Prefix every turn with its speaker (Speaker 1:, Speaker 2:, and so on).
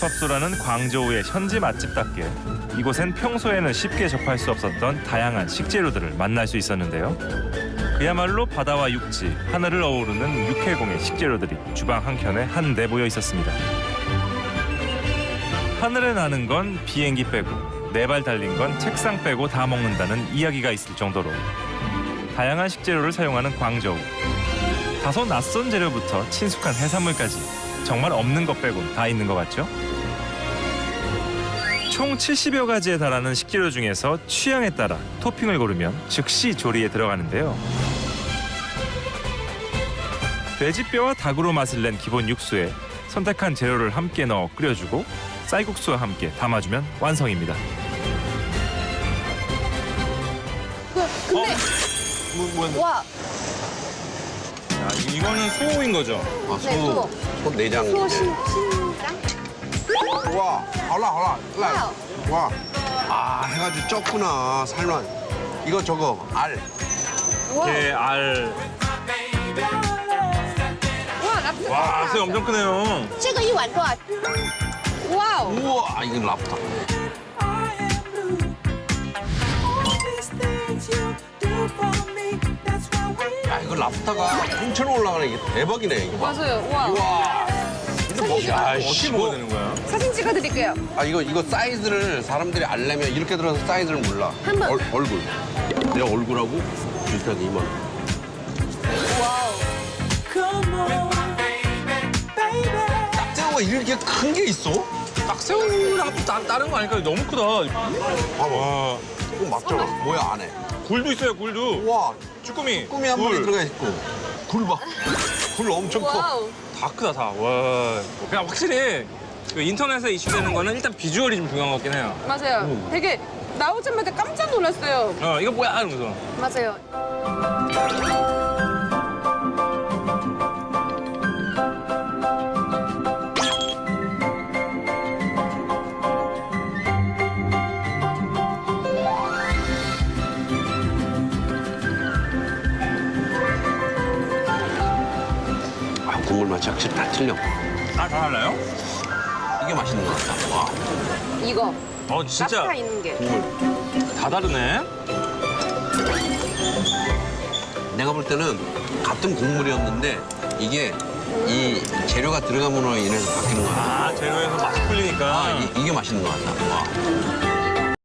Speaker 1: 팝소라는 광저우의 현지 맛집답게 이곳엔 평소에는 쉽게 접할 수 없었던 다양한 식재료들을 만날 수 있었는데요. 그야말로 바다와 육지, 하늘을 어우르는 육해공의 식재료들이 주방 한켠에 한데 모여 있었습니다. 하늘에 나는 건 비행기 빼고 네 발 달린 건 책상 빼고 다 먹는다는 이야기가 있을 정도로 다양한 식재료를 사용하는 광저우. 다소 낯선 재료부터 친숙한 해산물까지 정말 없는 것 빼곤 다 있는 것 같죠? 총 70여 가지에 달하는 식재료 중에서 취향에 따라 토핑을 고르면 즉시 조리에 들어가는데요. 돼지뼈와 닭으로 맛을 낸 기본 육수에 선택한 재료를 함께 넣어 끓여주고 쌀국수와 함께 담아주면 완성입니다.
Speaker 2: 근데 와,
Speaker 1: 야, 이거는 소인 거죠?
Speaker 3: 아,
Speaker 2: 네, 소.
Speaker 3: 소 내장.
Speaker 2: 소 신장?
Speaker 3: 와, 알라.
Speaker 2: 와우.
Speaker 3: 와. 아, 해가지고 쪘구나, 살만. 이거 저거, 알.
Speaker 2: 와,
Speaker 1: 알.
Speaker 2: 와, 랍스터.
Speaker 1: 와, 새 엄청 크네요.
Speaker 2: 这个一碗多少？哇哦，
Speaker 3: 우와, 이건 랍스터. 야, 이거 랍스터가 통째로 올라가네. 이게 대박이네, 이거 봐.
Speaker 2: 맞아요. 와.
Speaker 3: 우와. 이거 뭐, 야,
Speaker 1: 어떻게 먹어야 되는 거야?
Speaker 2: 사진 찍어드릴게요.
Speaker 3: 아, 이거 사이즈를 사람들이 알려면 이렇게 들어서 사이즈를 몰라.
Speaker 2: 한 번.
Speaker 3: 얼굴. 내 얼굴하고 비슷하게 이만.
Speaker 2: 와우.
Speaker 3: 딱새우가 이렇게 큰 게 있어?
Speaker 1: 딱새우랑 또 다른 거 아닐까요? 너무 크다.
Speaker 3: 봐봐. 이거 맞잖아. 뭐야, 안에.
Speaker 1: 굴도 있어요, 굴도.
Speaker 3: 우와,
Speaker 1: 쭈꾸미.
Speaker 3: 꿈이 한 마리 들어가 있고. 굴 봐. 굴 엄청 커.
Speaker 2: 와우.
Speaker 1: 다 크다, 다. 와. 그냥 확실히 그 인터넷에 이슈되는 거는 일단 비주얼이 좀 중요한 것 같긴 해요.
Speaker 2: 맞아요. 되게 나오자마자 깜짝 놀랐어요.
Speaker 1: 이거 뭐야? 이러면서.
Speaker 2: 맞아요.
Speaker 3: 아, 국물 맛이 확실히 다 틀려.
Speaker 1: 다 달라요?
Speaker 3: 이게 맛있는 것 같다. 와,
Speaker 2: 이거
Speaker 1: 진짜
Speaker 2: 랍스터 있는 게.
Speaker 3: 국물.
Speaker 1: 다 다르네.
Speaker 3: 내가 볼 때는 같은 국물이었는데 이게 이 재료가 들어감으로 인해서 바뀌는 것 같아.
Speaker 1: 재료에서 맛이 풀리니까.
Speaker 3: 이게 맛있는 것 같다. 와.